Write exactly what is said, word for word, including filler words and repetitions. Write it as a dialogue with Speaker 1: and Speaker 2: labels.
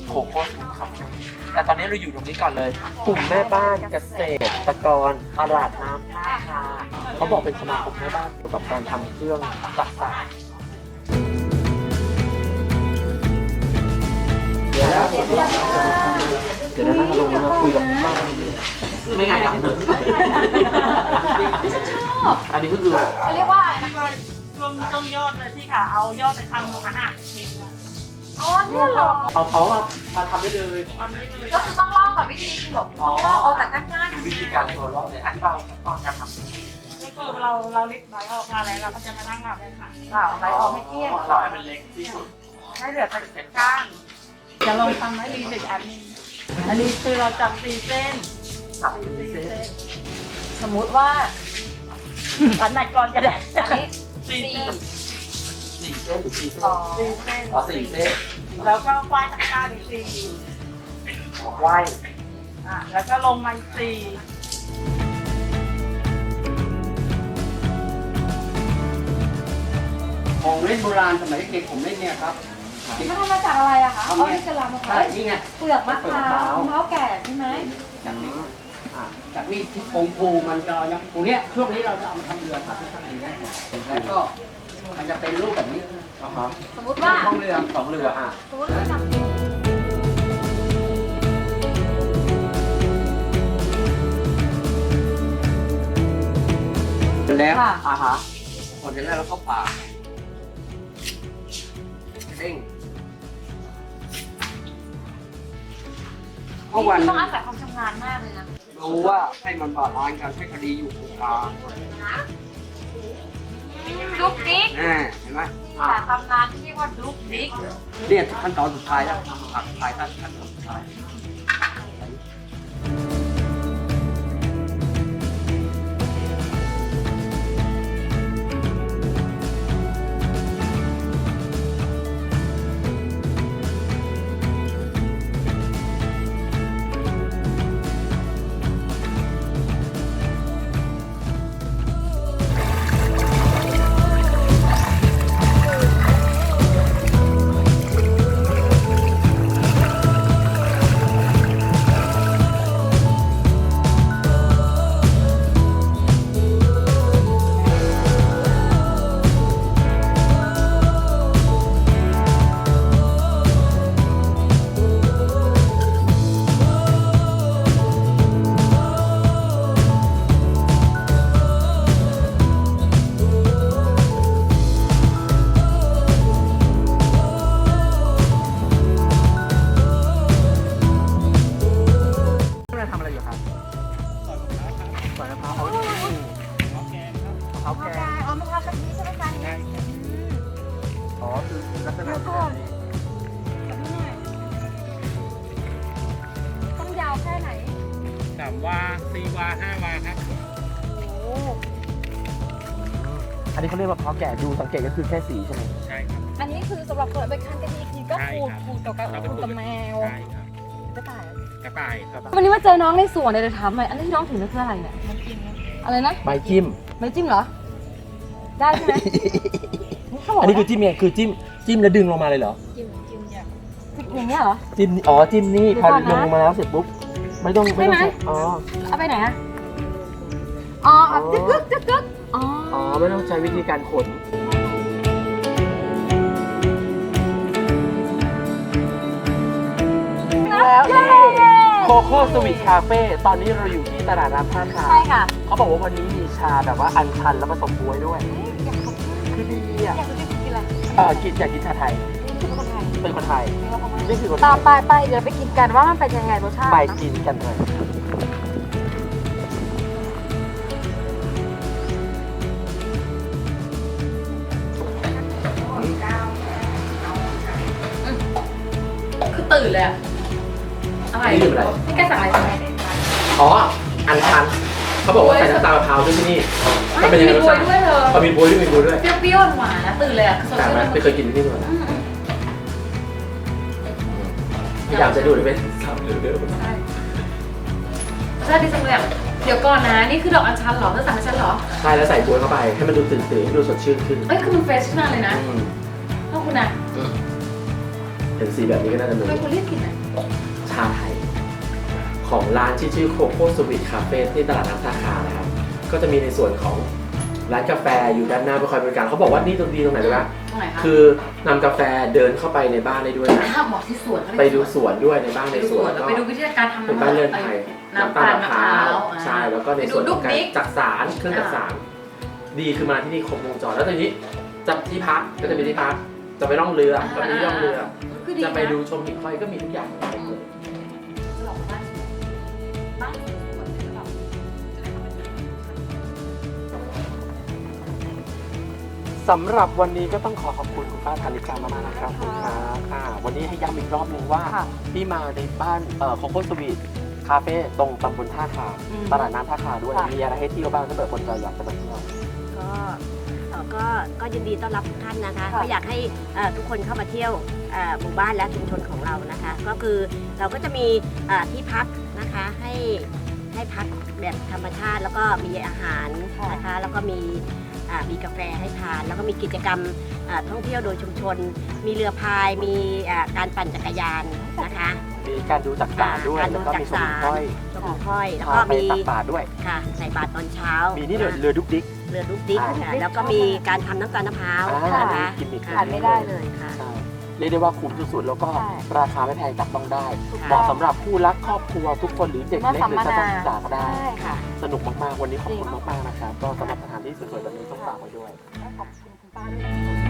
Speaker 1: โคโค่ซุปครับแต่ตอนนี้เราอยู่ตรงนี้ก่อนเลยกลุ่มแม่บ้านเกษตรกรตลาดน้ำท่าคาเขาบอกเป็นสมาคมแม่บ้านเกี่ยวกับการทำเครื่องจักสานเดี๋ยวนะเดี๋ยวนะลงมาคุยกับบ้านไม่ง่ายจังเลยอันนี้ก็คือ
Speaker 2: เขาเรียกว่าอะไรนะคะ
Speaker 3: รวมต้มยอดเลยที่ค่ะเอายอดไปทำอาหารเมนู
Speaker 2: อ๋อเนี่ยเหรอ
Speaker 1: เอาเขามาทำได้เลย
Speaker 3: ทำได้เลย
Speaker 2: ก็คือต้องเล่ากับวิธีแบบว่าเอาแต่ง่ายๆ
Speaker 1: วิธีการตัวรอดเลยอธิบายขั้นตอนการทำ
Speaker 3: ก็คือเราเราลิบไว้ออกมาแล้วเราก็จะมานั่งหลับเลยค่ะ
Speaker 2: เปล่าอะไรออกไม่เที่ยง
Speaker 1: เราให้มันเล็กที่สุด
Speaker 3: ให้เหลือแต่เศษก้านจะลองทำให้รีเด็ดอันนี้อันนี้คือเราจับสี่เส้น
Speaker 1: สับ
Speaker 3: สี่
Speaker 1: เส้
Speaker 3: เส้
Speaker 1: น
Speaker 3: น
Speaker 2: สมมุติว่า
Speaker 3: อันไหนก่อนจะได้
Speaker 2: อันนี้
Speaker 3: สี่
Speaker 2: สี่
Speaker 3: เส้น
Speaker 1: สี่เส้นหรือสี่เส้น
Speaker 2: อ๋อ
Speaker 3: สี่เส้น
Speaker 1: อ๋อสี่เส้น
Speaker 3: แล้วก็ควายตะกร้าอีกสี่
Speaker 1: ไหว
Speaker 3: อ่ะแล้วก็ลงมาอีกสี่
Speaker 4: ของเล่นโบราณสมัยเด็กๆผมเล่นเนี่ยครับ
Speaker 2: มันทำมาจากอะไรอะคะอ๋อนี่คือลำมะพร้า
Speaker 4: ใช่
Speaker 2: ว
Speaker 4: นี่ไง
Speaker 2: เปลือกมะพร้าวมะพร้าวแก่ใช่ไหม
Speaker 4: จากนี้อ่าจากนี้ที่องค์ภูมันจะยังภูเนี้ยช่วงนี้เราจะเอามาทำเรือครับที่ข้างในเนี้ยแล้วก็มันจะเป็นรูปแบบนี้
Speaker 1: อ่าฮะ
Speaker 2: สมมติว่า
Speaker 4: ท้องเรือ
Speaker 1: สองเรืออ่ะ
Speaker 2: สมมติว่าทำ
Speaker 4: เสร็จแล้ว
Speaker 2: ค่ะ
Speaker 1: อ่าฮะ
Speaker 4: พอเสร็จแล้วเราก็ป่าเร่งเมื่อวัน
Speaker 2: ต้องอาศัยความชำนาญมากเลยนะ
Speaker 4: รู้ว่าให้มันบาลานซ์กันให้คดีอยู่ตรงกลาง
Speaker 2: ดุ๊กดิ๊ก
Speaker 4: อ่าเห็นไหม
Speaker 2: แต่ตำนานที่เรียกว่าดุ๊กดิ๊ก
Speaker 4: เนี่ยขั้นตอนสุดท้ายแล้วตัดท้ายขั้นตอนสุดท้าย
Speaker 1: เราทำอะไรอยู่ครับสอยมะพร้าวเอาดิมะพร้าวแกง
Speaker 2: อ๋อมะพร้าวกะทิใช่ไหมคะ
Speaker 1: ใช่อ๋อคือลักษณะแบบนี้
Speaker 2: ต้องยาวแค่ไหน
Speaker 3: สามวาสี่วาห้าวาครับ
Speaker 2: โอ้
Speaker 1: อันนี้เขาเรียกมะพร้าวแก่ดูสังเกตก็คือแค่สีใช่ไหม
Speaker 3: ใช่ครับ
Speaker 2: อันนี้คือสำหรับคนไปคั้นกะทิทีก็ขูดขูดกับกระขูดกับแมว
Speaker 3: ใช่ครับ
Speaker 2: กระต่าย
Speaker 3: กระต่ายครับ
Speaker 2: วันนี้มาเจอน้องในสวนเลยจะถามหน่อยอันนี้ที่น้องถือนี่คืออะไรเนี่ย
Speaker 3: มันกินนะ
Speaker 2: อะไรนะ
Speaker 1: ใบจิ้ม
Speaker 2: ไม่จิ้มเหรอ ได้ใช่ไหมเขาบอก
Speaker 1: อันนี้คือจิ้มเนี่ยคือจิ้มจิ้มแล้วดึงลงมาเลยเหรอ
Speaker 3: จิ้มจิ้มอย่าง
Speaker 2: อย่างเงี้ยเหรอ
Speaker 1: จิ้มอ๋อจิ้มนี่
Speaker 2: เดี๋ยว
Speaker 1: พอ
Speaker 2: ก่อนนะ
Speaker 1: ลงมาแล้วเสร็จปุ๊บไม่ต้องไม่ต้อง
Speaker 2: ใช่ไหม
Speaker 1: ใช้อ๋อ
Speaker 2: เอาไปไหนอะอ๋อเอาจึ๊กกึ๊กจึ๊กกึ๊กอ๋อ
Speaker 1: อ๋อไม่ต้องใช้วิธีการขนแล้วนี่โคโค่สวีทคาเฟ่ตอนนี้เราอยู่ที่ตลาดน้ำท่าคา
Speaker 2: ใช่ค่ะ
Speaker 1: เขาบอกว่าวันนี้มีชาแบบว่าอัญชันแล้วผสมบ๊วยด้วย
Speaker 2: เอ๊ะอยากขอบคุณ
Speaker 1: คือดีอ่ะ
Speaker 2: อยากจะกินอะไร
Speaker 1: เออกินอยากกินชาไทย
Speaker 2: นี่คือคนไทย
Speaker 1: เป็นคนไทย
Speaker 2: นี่ว่าคนไทย
Speaker 1: นี่คือคนไท
Speaker 2: ต่อย ไปไปเดี๋ยวไปกินกันว่ามันเป็นยังไงรสชาติ
Speaker 1: ไป
Speaker 2: นะ
Speaker 1: กินกันเลย
Speaker 2: คือตื่นเลยอะอะไร
Speaker 1: นี่คืออะไร
Speaker 2: นี่แกสั่งอะไรไป
Speaker 1: อ๋ออัญชันเขาบอกว่าใส่น้ำตาลมะพร้าวด้วยที่นี่มันเป็นยังไงรสชาติ
Speaker 2: ด้วยเธอ
Speaker 1: เขามีบ๊วยด้วยมีบ๊วยด้วย
Speaker 2: เปรี้ยวๆหวานๆนะตื่นเลยอะสด
Speaker 1: แต่
Speaker 2: ชื่
Speaker 1: ไหม
Speaker 2: น
Speaker 1: ไม่เคยกินที่นี่มาก่อน
Speaker 2: อืมอืม
Speaker 1: พยายามจะดูเลยเป็นสามเดือนเดิม
Speaker 2: ใช่ใช่ดีจังเลยอะเดี๋ยวก่อนนะนี่คือดอกอัญชันเหรอเธอสั่งให้ฉันเหรอ
Speaker 1: ใช่แล้วใส่บ๊วยเข้าไปให้มันดูตื่นตื่นให้ดูสดชื่นขึ้น
Speaker 2: เอ้ยคือมันเฟรชมากเลยนะ
Speaker 1: อืม
Speaker 2: ขอบคุณนะ
Speaker 1: อืมเห็นสีแบบนี้ก็น่าจะรู้
Speaker 2: เป็นคนเรียกกินอ่ะ
Speaker 1: ชาไทยของร้านที่ชื่อโคโค่สวีทคาเฟ่ที่ตลาดน้ำท่าคานะครับก็จะมีในส่วนของร้านกาแฟอยู่ด้านหน้าเพื่อคอยบริการเขาบอกว่านี่ตรงดีตรงไหนรู้ไหม
Speaker 2: ตรงไหนคะ
Speaker 1: คือนำกาแฟเดินเข้าไปในบ้านได้ด้วยนะ
Speaker 2: ห้ามบอกที่สวนเขาเรียก
Speaker 1: ไปดูสวนด้วยในบ้าน
Speaker 2: ไป
Speaker 1: ใน
Speaker 2: ดู
Speaker 1: ส
Speaker 2: ส
Speaker 1: ว
Speaker 2: วน นแล้ว
Speaker 1: ก็
Speaker 2: ไปดูวิธีการทำ
Speaker 1: เป็นบ้านเรือนไทย
Speaker 2: น้ำตาลมะพร้าว
Speaker 1: ใช่แล้วก็ในส่วนของการจักสารเครื่องจักสารดีคือมาที่นี่ครบวงจรแล้วตอนนี้จะที่พักก็จะมีที่พักจะไปล่องเรือก็มีที่ล่องเรือ จะไปดูชมหิ่งห้อยก็มีทุกอย่าง
Speaker 2: จะหลอกบ้านบ้านสวนจะแบบจะได้เข้าไปดู
Speaker 1: สำหรับวันนี้ก็ต้องขอขอบคุณคุณป้าธานิกามากๆนะครับคุณครับอ่าวันนี้ให้ย้ำอีกรอบหนึ่งว่าที่มาในบ้านเอ่อโคโค่สวีทคาเฟ่ตรงตำบลท่าคาตลาดน้ำท่าคาด้วยมีอะไรให้เที่ยวบ้างถ้าเกิดคนใจอยากจะไปเที่ยว
Speaker 5: ก็เอ่อก็ก็ยินดีต้อนรับทุกท่านนะคะก็อยากให้เอ่อทุกคนเข้ามาเที่ยวเอ่อหมู่บ้านและชุมชนของเรานะคะ ก็คือเราก็จะมีเอ่อที่พักนะคะให้ให้พักแบบธรรมชาติแล้วก็มีอาหารนะคะแล้วก็มีอ่ามีกาแฟให้ทาน แล้วก็มีกิจกรรมอ่าท่องเที่ยวโดยชุมชน มีเรือพายมีอ่าการปั่นจักรยานนะคะ
Speaker 1: มีการดูจักสารด้วย
Speaker 5: การดู
Speaker 1: แล้วก็มีชมหิ่งห้อย
Speaker 5: ชมหิ่งห้อยแล้ว
Speaker 1: พา
Speaker 5: ก็
Speaker 1: ไป
Speaker 5: มี
Speaker 1: ตักบาตรด้วย
Speaker 5: ค่ะใส่บาตรตอนเช้า
Speaker 1: มี
Speaker 5: มี
Speaker 1: นี่เรือเรือดุกดิก
Speaker 5: เรือลูกดิ๊ก
Speaker 1: อ่า
Speaker 5: ค่ะแล้วก็มีการทำน้ำตาลมะพร้าว
Speaker 1: อ่า
Speaker 5: นะคะ
Speaker 1: กินอีก
Speaker 5: ขาดไม่ได้เลยค่ะ
Speaker 1: ใช่เรียกได้ว่าคุ้มสุดๆแล้วก็
Speaker 3: ใช่
Speaker 1: ราคาไม่แพงจับต้องได้
Speaker 5: ถูก
Speaker 1: เห
Speaker 5: ต้อ
Speaker 1: มาะ
Speaker 5: ง
Speaker 1: สำหรับผู้รักครอบครัวทุกคนหรือเด็กเล็กหรือจะต้องศึกษาก็ได้
Speaker 3: ใช่ค่ะ
Speaker 1: สนุกมากๆ วันนี้ขอบคุณมากๆนะครับ ก็สำหรับสถานที่สวยๆแบบนี้ต้องฝากไว้ด้วย
Speaker 3: ขอบคุณคุณป้าด้วย